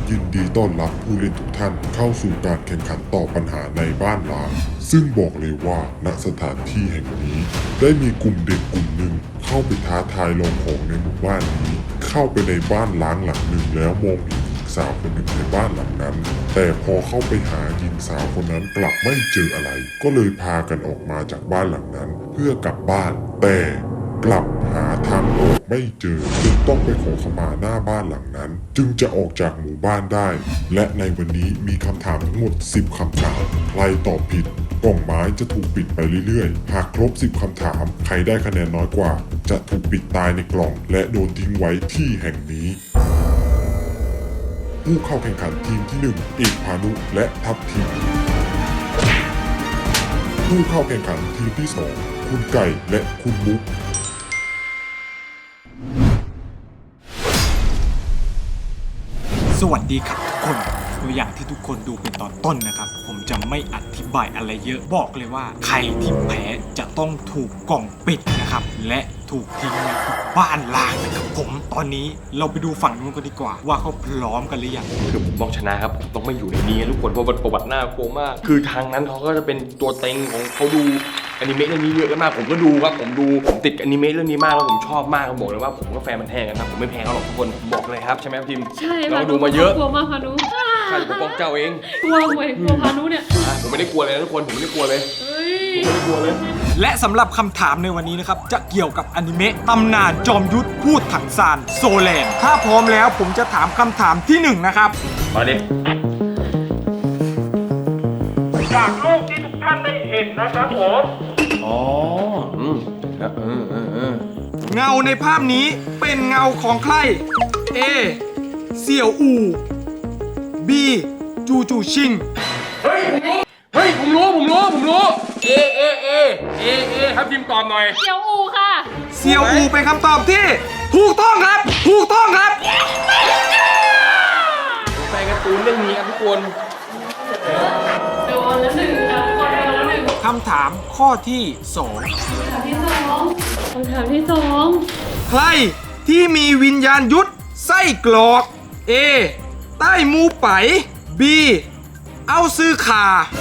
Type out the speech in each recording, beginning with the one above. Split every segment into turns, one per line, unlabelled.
ยินดีต้อนรับผู้เล่นทุกท่านเข้าสู่การแข่งขันต่อปัญหาในบ้านล้างซึ่งบอกเลยว่าณสถานที่แห่งนี้ได้มีกลุ่มเด็กกลุ่มหนึ่งเข้าไปท้าทายลองของในหมู่บ้านนี้เข้าไปในบ้านล้างหลังหนึ่งแล้วมองเห็นหญิงสาวคนหนึ่งในบ้านหลังนั้นแต่พอเข้าไปหาหญิงสาวคนนั้นกลับไม่เจออะไรก็เลยพากันออกมาจากบ้านหลังนั้นเพื่อกลับบ้านแต่กลับหาทางออกไม่เจอจึงต้องไปขอขมาหน้าบ้านหลังนั้นจึงจะออกจากหมู่บ้านได้และในวันนี้มีคำถามทั้งหมด10คำถามใครตอบผิดกล่องไม้จะถูกปิดไปเรื่อยๆหากครบ10คำถามใครได้คะแนนน้อยกว่าจะถูกปิดตายในกล่องและโดนทิ้งไว้ที่แห่งนี้ผู้เข้าแข่งขันทีมที่1เอกพานุและทัพทีมผู้เข้าแข่งขันทีมที่2คุณไก่และคุณมุก
สวัสดีครับทุกคนตัวอย่างที่ทุกคนดูเป็นตอนต้นนะครับผมจะไม่อธิบายอะไรเยอะบอกเลยว่าใครที่แพ้จะต้องถูกกล่องปิดนะครับและถูกทิ้งในบ้านล้างนะครับผมตอนนี้เราไปดูฝั่งนู้นกันดีกว่าว่าเขาพร้อมกันหรือยัง
คือผมต้องชนะครับผมต้องไม่อยู่ในนี้ทุกคนเพราะประวัติหน้ากลัวมากคือทางนั้นเขาก็จะเป็นตัวเต็งของเขาดูอนิเมะเรื่องนี้เยอะมากผมก็ดูครับผมติดอนิเมะเรื่องนี้มากแล้วผมชอบมากผมบอกเลยว่าผมก็แฟนมันแท้กันครับผมไม่แพ้เขาหรอกทุกคนบอกเลยครับใช่ไหมทีม
ใช่
เราดูมาเยอะ
กลัวมากพานุ
ข้าจะปกป้องเจ้าเอง
กลัวเว้ยกลัวพานุเนี่ย
ผมไม่ได้กลัวเลยนะทุกคนผมไม่ได้กลัวเลย
เฮ้ย
ผมไม่ได้กลัวเลย
และสำหรับคำถามในวันนี้นะครับจะเกี่ยวกับอนิเมะตำนานจอมยุทธพูดถังซานโซแลนด์ถ้าพร้อมแล้วผมจะถามคำถามที่1นะครับ
มาดิ
จากรูปที่ทุกท่านได้เห็นนะครับผม
อ๋อ
เงาในภาพนี้เป็นเงาของใคร A เสี่ยวอู B จูจูชิง
เฮ้ยผมรู้ครับทีมตอบหน่อย
เดี๋ยวอูค่ะ
เสี่ยวอูเป็นคำตอบที่ถูกต้องครับ ถูกต้องครับ
แฟนการ์ตูนเรื่องนี้ครับทุกคน
โดนแล้วหนึ่งค่ะทุกคนโดนแล้วหนึ่ง
คำถามข้อที่
คำถามที่สอง
2 ใครที่มีวิญญาณยุทธไส้กรอก A ใต้มูไป B เอาซื้อขา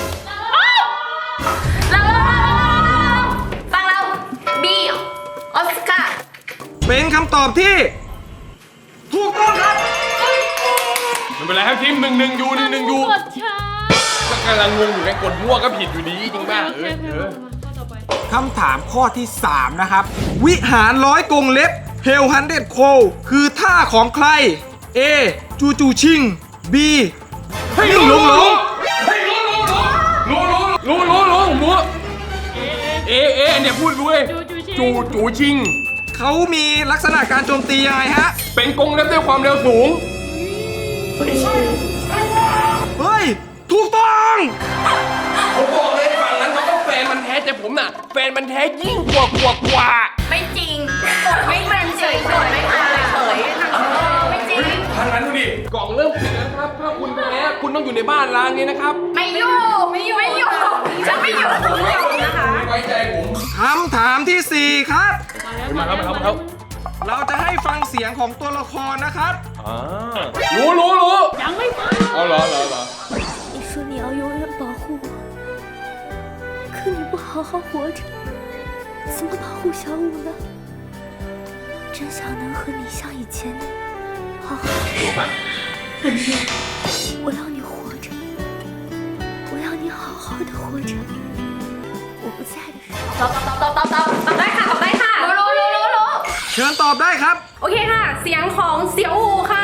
เราฟังเราบีออสการ์
เป็นคำตอบที่ถูกต้องครับ
ไม่เป็นไรครับทีม1-1อยู่1-1อยู่
กดช้า
ก็กำลังงงอยู่ไงกดมั่วก็ผิดอยู่ดีจริงป่ะ
โอเคมาข้อต่อไป
คำถามข้อที่ 3 นะครับ วิหารร้อยกรงเล็บเฮลฮันเดดโคคือท่าของใคร A จูจูชิง B นิ่งหลงหลง
รู้ผมรู้เอเนี่ยพูดรู้เลยจูชิง
เขามีลักษณะการโจมตียังไงฮะ
เป็นกรงเล็บด้วยความเร็วสูง
เฮ้ย ถูกต้อง
ผมบอกเลยฝั่งนั้นเขาก็แฟนมันแท้แต่ผมน่ะแฟนมันแท้ยิ่งกว่า
ไม่จริงกดไม่ทันเฉยกดไม่ทันเฉยไม่จริง
ทางนั้นดูดิกล่องเริ่มปิดแล้วนะครับถ้าคุณแพ้คุณต้องอยู่ในบ้านล้างนี้นะครับ
ไม่อยู่ฉันไม่อยู่นะคะ
ไม่ไว้ใจผม
คำถามที่ 4 ครับ
มาแล้ว
เราจะให้ฟังเสียงของตัวละครนะครับ
รู้
ยังไม่ฟัง
เอาเหรอ
你说你要永远保护我，可你不好好活着，怎么保护小五呢？真想能和你像以前那样好好的。我要你活着，我要你好好的活着。我不在的时候。
ตอบได้ค่ะรู้
เชิญตอบได้ครับ
โอเคค่ะเสียงของเสี่ยวอูค่ะ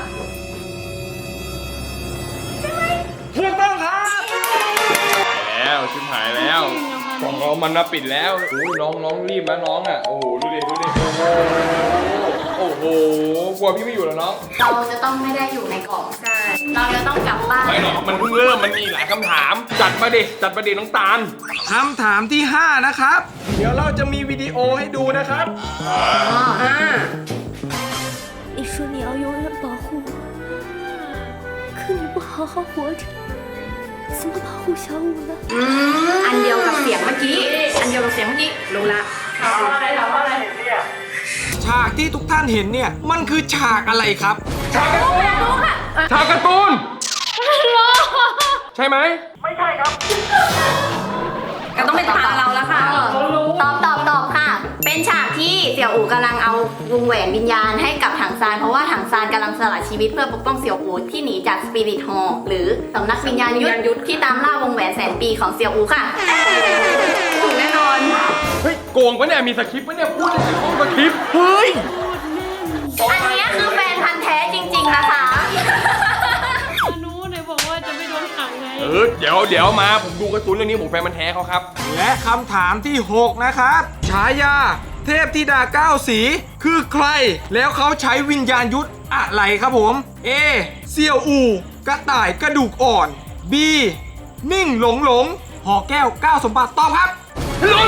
ถูกต้องครับ
แล้วชิบหายแล้วกล่องเรามันมาปิดแล้วโอ้ยน้องรีบนะน้องอ่ะโอ้โหดูดิโอ้โหกลัวพี่ไม่อยู่แล้วน้อง
เราจะต้องไม่ได้อยู่ในกล่องใช่เราจะต้องกลับบ้าน
ไม่หรอกมันเพิ่งเริ่มมันมีหลายคำถามจัดมาดิน้องตาล
คำถามที่ 5 นะครับ เดี๋ยวเราจะมีวิดีโอให้ดูนะครับ
你说你要永远保护我，可你不好好活着，怎么保护小五呢？
อันเดียวกับเสียงเมื่อกี้รู้ละ
ถามว่าอะไรเห็นเนี่ย
ฉากที่ทุกท่านเห็นเนี่ย มันคือฉากอะไรครับ
รู้ค่ะ
ฉากการ์ตูนใช่ไหม
ไม่ใช่ครับ
ก็ต้องเป็นตาเราแล้วค่ะตอบค่ะ เป็นฉากที่เสี่ยวอู่กำลังเอาวงแหวนวิญญาณให้กับถังซานเพราะว่าถังซานกำลังสละชีวิตเพื่อปกป้องเสี่ยวอู่ที่หนีจากสปิริตฮอลหรือสำนักวิญญาณยุทธที่ตามล่าวงแหวนแสนปีของเสี่ยวอู่ค่ะถูกแน่นอน
เฮ้ยโกงปะเนี่ยมีสคริปต์ปะเนี่ยพูดในห้องสคริปต์เฮ้ย
อันนี้คือแฟนพันธ์แท้จริงๆนะคะ
อนุเนี่ยบอกว่าจะไม่โดนขังไง
เดี๋ยวมาผมดูการ์ตูนเรื่องนี้ผมแฟนมันธุ์แท้เขาครับ
และคำถามที่ 6 นะครับฉายาเทพธิดา9สีคือใคร แล้วเขาใช้วิญญาณยุทธอะไรครับผม A เซียวอูกระต่ายกระดูกอ่อน B นิ่งหลงหอแก้ว9สมบัติตอบครับ
รู้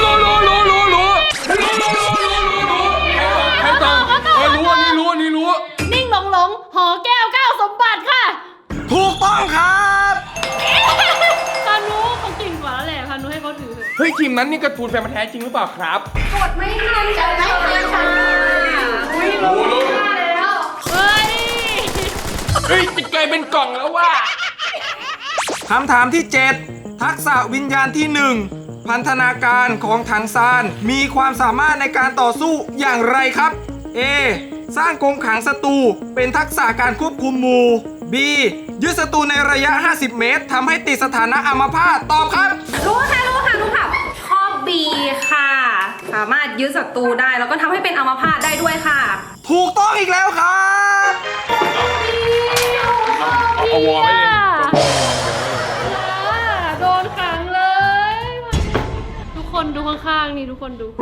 ใครตอบรู้อันนี้รู้
นิ่งหลงหอแก้ว9สมบัติค่ะ
ถูกต้องครับ
พานุเขาเก่งกว่าแล้วแหละพานุให้เขาถือเถอะ
เฮ้ยทีมนั้นนี่การ์ตูนแฟนมันธุ์แท้จริงหรือเปล่าครับ
กดไม่ทันจะไม่ทันค่ะ
รู้
เฮ้ย
เฮ้ยจะกลายเป็นกล่องแล้วว่ะ
คำถามที่ 7 ทักษะวิญญาณที่ 1 พันธนาการของถังซานมีความสามารถในการต่อสู้อย่างไรครับ A สร้างกรงขังศัตรูเป็นทักษะการควบคุมหมู่ B ยึดศัตรูในระยะ 50 เมตรทำให้ติดสถานะอัมพาตตอบครับ
รู้ค่ะข้อ B ค่ะ สามารถยึดศัตรูได้แล้วก็ทำให้เป็นอัมพาตได้ด้วยค่ะ
ถูกต้องอีกแล้วครับ
เอาวอลไว้เลย
โดนขังเลย ทุกคนดูข้างๆนี่ทุกคนดู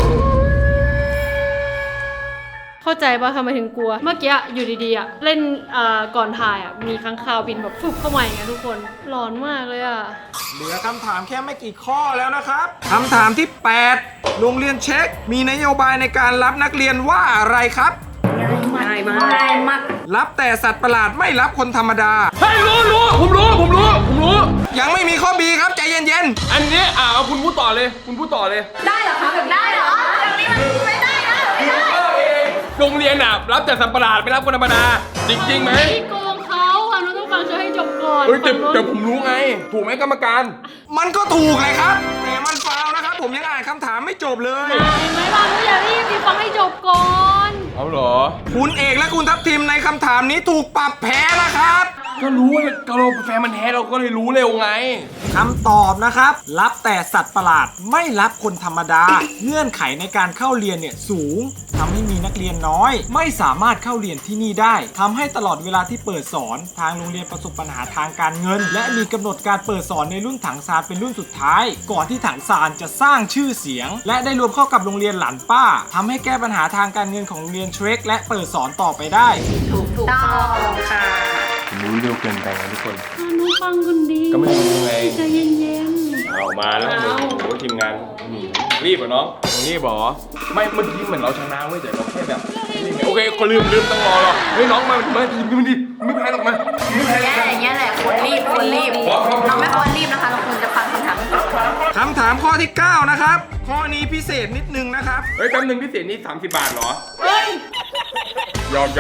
เข้าใจป่ะทำไมถึงกลัว เมื่อกี้อยู่ดีๆเล่นก่อนถ่ายมีค้างคาวบินแบบฟึบเข้ามาอย่างเงี้ยทุกคนหลอนมากเลย
เหลือคำถามแค่ไม่กี่ข้อแล้วนะครับ คำถามที่ 8 โรงเรียนเช็คมีนโยบายในการรับนักเรียนว่าอะไรครับ
ง่ายมาก
รับแต่สัตว์ประหลาดไม่รับคนธรรมดา
เฮ้ยรู้ผมรู้
ยังไม่มีข้อ B ครับใจเย็น
อันนี้เอาคุณพูดต่อเลย
ได้เหรอคะแบบได้เหรอแบบนี้มันไม่ได้นะไม่ได้
โรงเรียนรับแต่สัตว์ประหลาดไม่รับคนธรรมดา จริงไหม
พี่โกงเขาพานุต้องฟังช่วยให้จบก่อน
เฮ้ยแต่
ฝั่งโน้น
แต่ผมรู้ไง ถูกไหมกรรมการ
ๆ มันก็ถูกเลยครับ แต่มันฟาวล์นะครับ ผมยังอ่านคำถามไม่จบเลย
เห็นไหมพานุอย่ารีบพี่ฟังให้จบก่อน
เอาเหรอ
คุณเอกและคุณทัพทิมในคำถามนี้ถูกปรับแพ้นะครับ
ก็รู้ว่าเราแฟนมันธุ์แท้เราก็เลยรู้เร็วไง
คำตอบนะครับ รับแต่สัตว์ประหลาดไม่รับคนธรรมดา เงื่อนไขในการเข้าเรียนเนี่ยสูงทำให้มีนักเรียนน้อย ไม่สามารถเข้าเรียนที่นี่ได้ทำให้ตลอดเวลาที่เปิดสอนทางโรงเรียนประสบปัญหาทางการเงิน และมีกำหนดการเปิดสอนในรุ่นถังซานเป็นรุ่นสุดท้าย ก่อนที่ถังซานจะสร้างชื่อเสียง และได้รวมเข้ากับโรงเรียนหลานป้าทำให้แก้ปัญหาทางการเงินของโรงเรียนเทรคและเปิดสอนต่อไปได้
ถูกต้องค่ะ
รู้เร็วเกินไปนะทุกคน
พานุฟังคนดี
ก็ไม่รู้ไง
ใจเย็น
เอามาแล้วโอ้โหทีมงานรีบเหรอน้องรีบเหรอไม่เมื่อกี้เหมือนเราชนะเว้ยแต่เราแค่แบบโอเคก็ลืมต้องรอหรอกเฮ้ยน้องมาดิไม่แพ้หรอกมาไม่แพ้หรอก
อย่างเงี้ยแหละควรรีบเราไม่ควรรีบนะคะเราควรจะฟังคำถามก่อน
คำถามข้อที่ 9 นะครับ ข้อนี้พิเศษนิดนึงนะครับ
เฮ้ยแป๊บนึงพิเศษนี่30 บาทเหรอ
ๆเฮ้ย
หยอก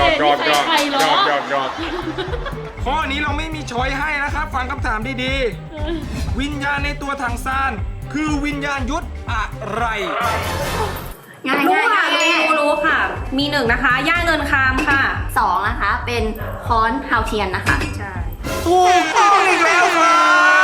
ข้อนี้เราไม่มีช้อยให้นะครับ ฟังคำถามดีๆ วิญญาณในตัวถังซานคือวิญญาณยุทธอะไร
ง่ายรู้ค่ะ มีหนึ่งนะคะย่าเงินคามค่ะสองนะคะเป็นค้อนฮาวเทียนนะคะใช่
ถูกต้องอีกแล้วครับ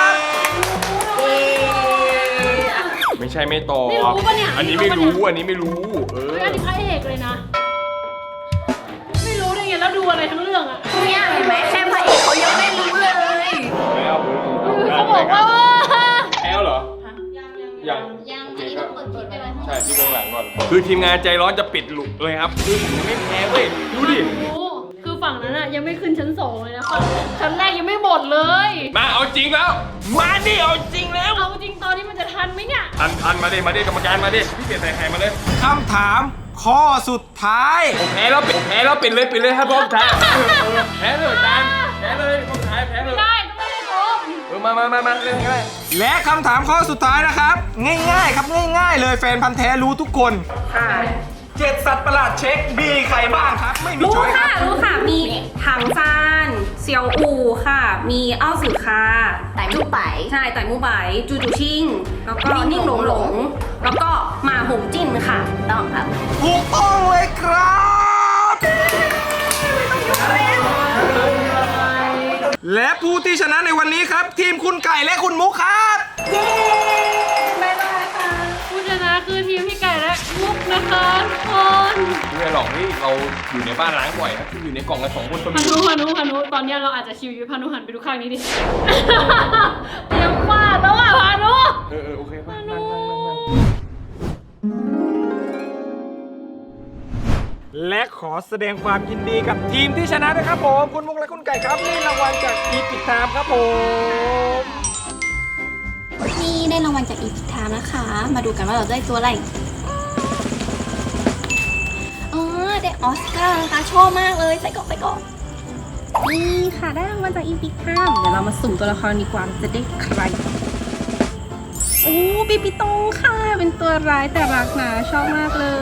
ไม่ใช่ไม่ตอบ
ไม่รู้ปะเนี่ย
อันนี้ไม่รู้อันนี้ไม่รู้
เฮ้ยอันนี้พระเอกเลยนะ ไม่รู้ได้ไงแล้วดูอะไรทั้งเรื่องอะ
เนี่ยเห็นไหมแค่พระเอกเขายังไม่รู้เลย
เขาบอกว่า
แอลเหรอยังใช่พี่เบื้องหลังก่อนคือทีมงานใจร้อนจะปิดหลุกเลยครับคือผมยังไม่แพ้เว้ยดูดิ
คือฝั่งนั้นอะยังไม่ขึ้นชั้น 2เลยนะฝั่งชั้นแรกยังไม่หมดเลย
มาเอาจริงแล้วมาดิเอาจริงแล้ว
เอาจริงตอนนี้มันจะทันไหมเนี่ย
ทันมาดิกรรมการมาดิพี่เปลี่ยนใส่ไข่มาเลย
คำถามข้อสุดท้าย
ผมแพ้แล้วปิดเลยครับพ่อชายแพ้เลยจานแพ้เลยพ่อชายแพ้เลย
ได้ต้องไม่ได้โกง
มาเล่นง่าย
และคำถามข้อสุดท้ายนะครับ ง่ายๆครับง่ายๆเลยแฟนพันธ์แท้รู้ทุกคน
ค่ะ
7 สัตว์ประหลาดเช็คมีใครบ้างครับ ไม่มี
รู้
ช้อยค
ค่ะ
รับ
รู้ค่ะมีถังซาน
เซียวอูค่ะ มีเอ้าสื่อคา
ไต่มู่ไป
ใช่ไต่มู่ไบจูจูชิงแล้วก็นิ่งหลงหลง แล้วก็หมาหงจิ้นค่ะ
ต้องครับ
ถูกต้องเลยครับ และผู้ที่ชนะในวันนี้ครับ ทีมคุณไก่และคุณมุกครับ
บ๊ายบายค่ะ ผู้ชนะคือทีมพี่ไก่และมุกนะคะทุกคน
ไม่หรอกนี่เราอยู่ในบ้านล้างบ่อยครับอยู่ในกล่องกัน2 คนก็
พา
มี
นุตอนเนี้ยเราอาจจะชิวอยู่พานุหันไปดูข้างนี้ดิ เตรียมฟาดแล้วอ่ะพานุ
โอเคมานั่ง
และขอแสดงความยินดีกับทีมที่ชนะนะครับผมคุณมุกและคุณไก่ครับนี่รางวัลจากอีพิกไทม์ครับผม
นี่ได้รางวัลจากอีพิกไทม์นะคะ มาดูกันว่าเราได้ตัวอะไรอ๋อได้ออสการ์นะคะชอบมากเลยใส่กล่องไปก่อน
นี่ค่ะได้รางวัลจากอีพิกไทม์เดี๋ยวเรามาสุ่มตัวละครดีกว่าจะได้ใครโอ้ปิปิโตค่ะ เป็นตัวร้ายแต่รักนะชอบมากเลย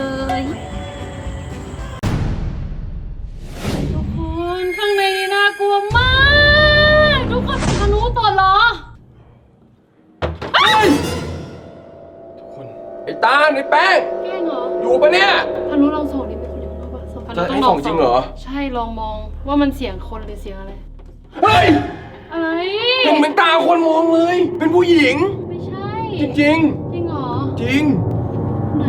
ทุกคนข้างในนี้น่ากลัวมาก ทุกคนพานุตัวเหรอ
ทุกคนไอ้ตาไอ้แป้ง
แกล้งเหรอ
อยู่ปะเนี่ย
พานุลองส่องดิเป็นคนอยู่ข้างนอกปะส่องพานุ
จะ
ต้
ให้
องล
ส่
อ
อง งจริงเหรอ
ใช่ลองมองว่ามันเสียงคนหรือเสียงอะไร
เฮ้ย
อะไร
เห็นเหมือนตาคนมองเลย เป็นผู้หญิง
ไม่ใช่
จริง
จริงเหรอ
ๆ จริง
ไหน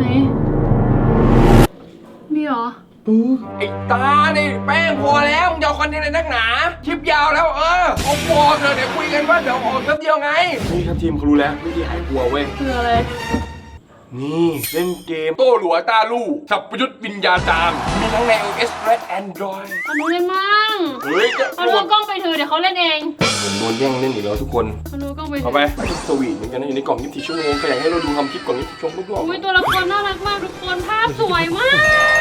มีเหรอ
ไอ้ตานี่แป้งพอแล้วมึงจะเอาคอนเทนต์อะไรนักหนาคลิปยาวแล้วเอาพอเถอะเดี๋ยวคุยกันว่าเดี๋ยวออกแป๊บเดียวไง นี่ครับทีมเขารู้แล้ววิธีหายกลัวเว้ย
คืออะไร
นี่เล่นเกมโต้หลัวตาลู่สับประยุทธ์วิญญาจารย์มีทั้งใน iOS และ Android
พานุเล่นมั่ง
เฮ้ยจะ
พานุเอากล้องไปเถอะเดี๋ยวเขาเล่นเอง
ผมโดนแย่งเล่นอีกแล้วทุกคน
พานุเอากล้องไปเถ
เอา
อะ
ไปสวีทเหมือนกันนะอยู่ในกล่อง24 ชั่วโมงก็อยากให้เราดูทำคลิปกล่อง24 ชั่วโมงทุกรอบ
อุ้ยตัวละครน่ารักมากทุกคนภาพสวยมาก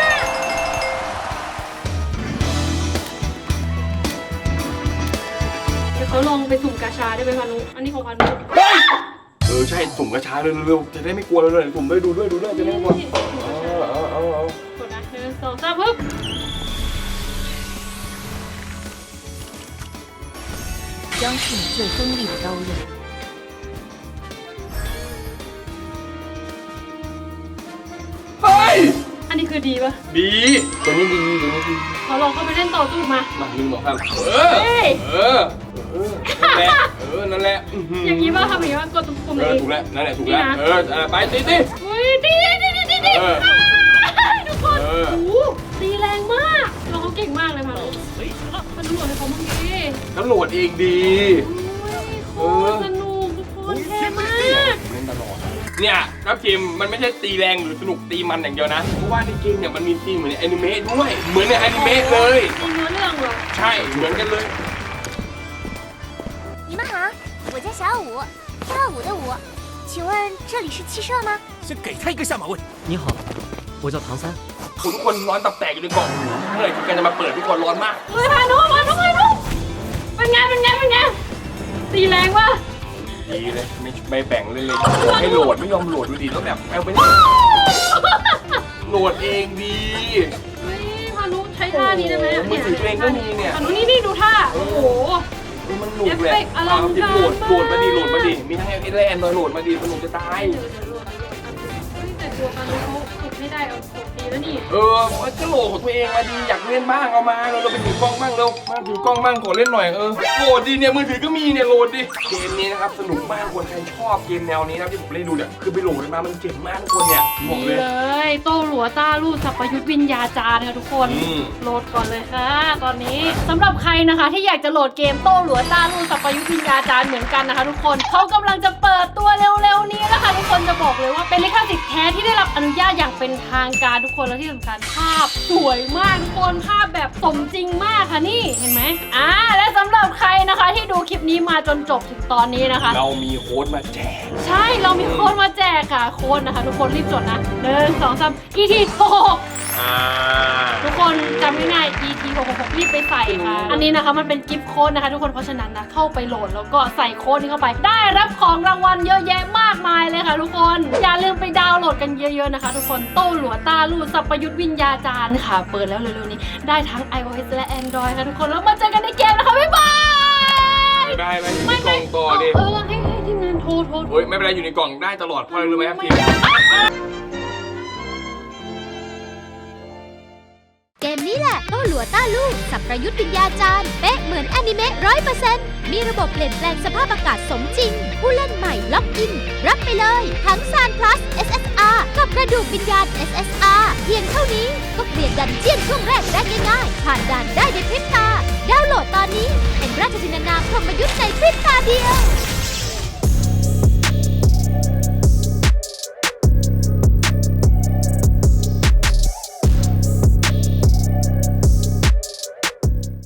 เดี๋ยวเขาลองไปสุ่มกาชาได้ไหมพานุ อันนี้ของพานุ
ใช่สุ่มกระชาเร็วๆจะได้ไม่กลัวเราเลยสุ่มด้วยดูด้วยจะได้ไม่กลัวเอา
กดนะ1 2 3ปึ๊บ
相信最锋利的刀刃。
เฮ้ย
อันนี้คือดีปะ
ดีตัวนี้ดีตัวนี้ดี
เขาลองเข้าไปเล่นต่อสู้มา
มา1 2 3 นั่นแหละ
อย่างนี้ป่ะทำอย่างนี้ป่ะกดปุ่มนี้
ถูกแล้วนั่นแหละถูกแล้วไปตี
อุ้ยดีทุกคนโอ้โหตีแรงมากเราเขาเก่งมากเลยพานุพานุโหลดให้เขาบ้างดิ
แล้วโหลดเองดี
โอ้ยโคตรสนุกทุกคนเท่มาก
เล่นตลอดเนี่ยครับทีมมันไม่ใช่ตีแรงหรือสนุกตีมันอย่างเดียวนะเพราะว่าในเกมเนี่ยมันมีซีนเหมือนในอนิเมะด้วยเหมือนในอนิเมะเลย
มีเนื้อเรื่องเหรอ
ใช่เหมือนกันเลย
你们好，我叫小五，跳舞的舞。请问这里是汽社吗？
先给他一个下马威。你好，我叫唐三。
ทุกคนร้อนตับแตกอยู่ในกล่องเมื่อไหร่ที่แกจะมาเปิดทุกคนร้อนมาก
เฮ้ยพานุเป็นไงตีแรงป่ะ
ดีเลยไม่แบ่งเลยให้โหลดไม่ยอมโหลดดูดีแล้วแบบเอาไปโหลดเองดี
เฮ้ยพานุใช้ท่านี้ได้ไหม
มือถือตัวเองก็มีเนี่ย
พานุนี่ดูท่าโอ้โห
มันหนุกแหละโหลดมาดีมีทั้งไอแลนด์โหลดมาดีสนุกจะตาย
แต่ตัวพานุเขาฝึกไม่ได้เอากดดีแล้วนี่
มันก็โหลดของตัวเองมาดีอยากเล่นบ้างเอามาเราไปถือกล้องบ้างเร็วมาถือกล้องบ้างขอเล่นหน่อยโหลดดีเนี่ยมือถือก็มีเนี่ยโหลดดิเกมนี้นะครับสนุกมากคนใครชอบเกมแนวนี้นะที่ผมเล่นดูเนี่ยคือไปโหลดมามันเจ๋งมากทุกคนเนี่ยบอกเลย
เลยโต้หลัวต้าลู่สัพยุทธวิญญาจารย์ค่ะทุกคนโหลดก่อนเลยค่ะตอนนี้สำหรับใครนะคะที่อยากจะโหลดเกมโต้หลัวต้าลู่สัพยุทธวิญญาจารย์เหมือนกันนะคะทุกคนเขากำลังจะเปิดตัวเร็วๆนี้แล้วค่ะทุกคนจะบอกเลยว่าเป็นลิขสิทธิ์แท้ที่ได้รับอนุญาตอย่างเป็นทางการทุกคนและที่สำคัญภาพสวยมากทุกคนภาพแบบสมจริงมากค่ะนี่เห็นไหมและสำหรับใครนะคะที่ดูคลิปนี้มาจนจบถึงตอนนี้นะคะ
เรามีโค้ดมาแจก
ใช่เรามีโค้ดมาแจกค่ะโค้ดนะคะทุกคนรีบจดนะ1 2 3 ET 6 ทุกคนจำง่ายๆ ET 666รีบไปใส่ค่ะอันนี้นะคะมันเป็นกิฟต์โค้ดนะคะทุกคนเพราะฉะนั้นนะเข้าไปโหลดแล้วก็ใส่โค้ดนี้เข้าไปได้รับของรางวัลเยอะแยะมากมายเลยค่ะทุกคนอย่าลืมไปดาวน์โหลดกันเยอะๆนะคะทุกคนโต้หลัวต้าลู่สัพยุทธวิญญาจารย์ค่ะเปิดแล้วเร็วๆนี้ได้ทั้ง iOS และ Android ค่ะทุกคนแล้วมาเจอกันในเกมนะคะบ๊ายบาย
ได้ไหมอยู่ในกล่องต่อดิ
ให้ทีมงานโทร
เฮ้ยไม่เป็นไรอยู่ในกล่องได้ตลอดเพราะอะไรรู้ไหมครับทีม
เกมนี้แหละโต้หลัวต้าลูกสับประยุทธ์วิญญาจารย์เป๊ะเหมือนแอนิเมะ100%มีระบบเปลี่ยนแปลงสภาพอากาศสมจริง ผู้เล่นใหม่ล็อกอิน รับไปเลยทั้งซาน plus SSR กับกระดูกวิญญาณ SSR เพียงเท่านี้ก็เคลียร์ดันเจี้ยนช่วงแรกได้ง่ายๆ ผ่านด่านได้ในพริบตา ดาวน์โหลดตอนนี้เป็นราชจินนามพรหมยุทธ์ในพริบตาเดียว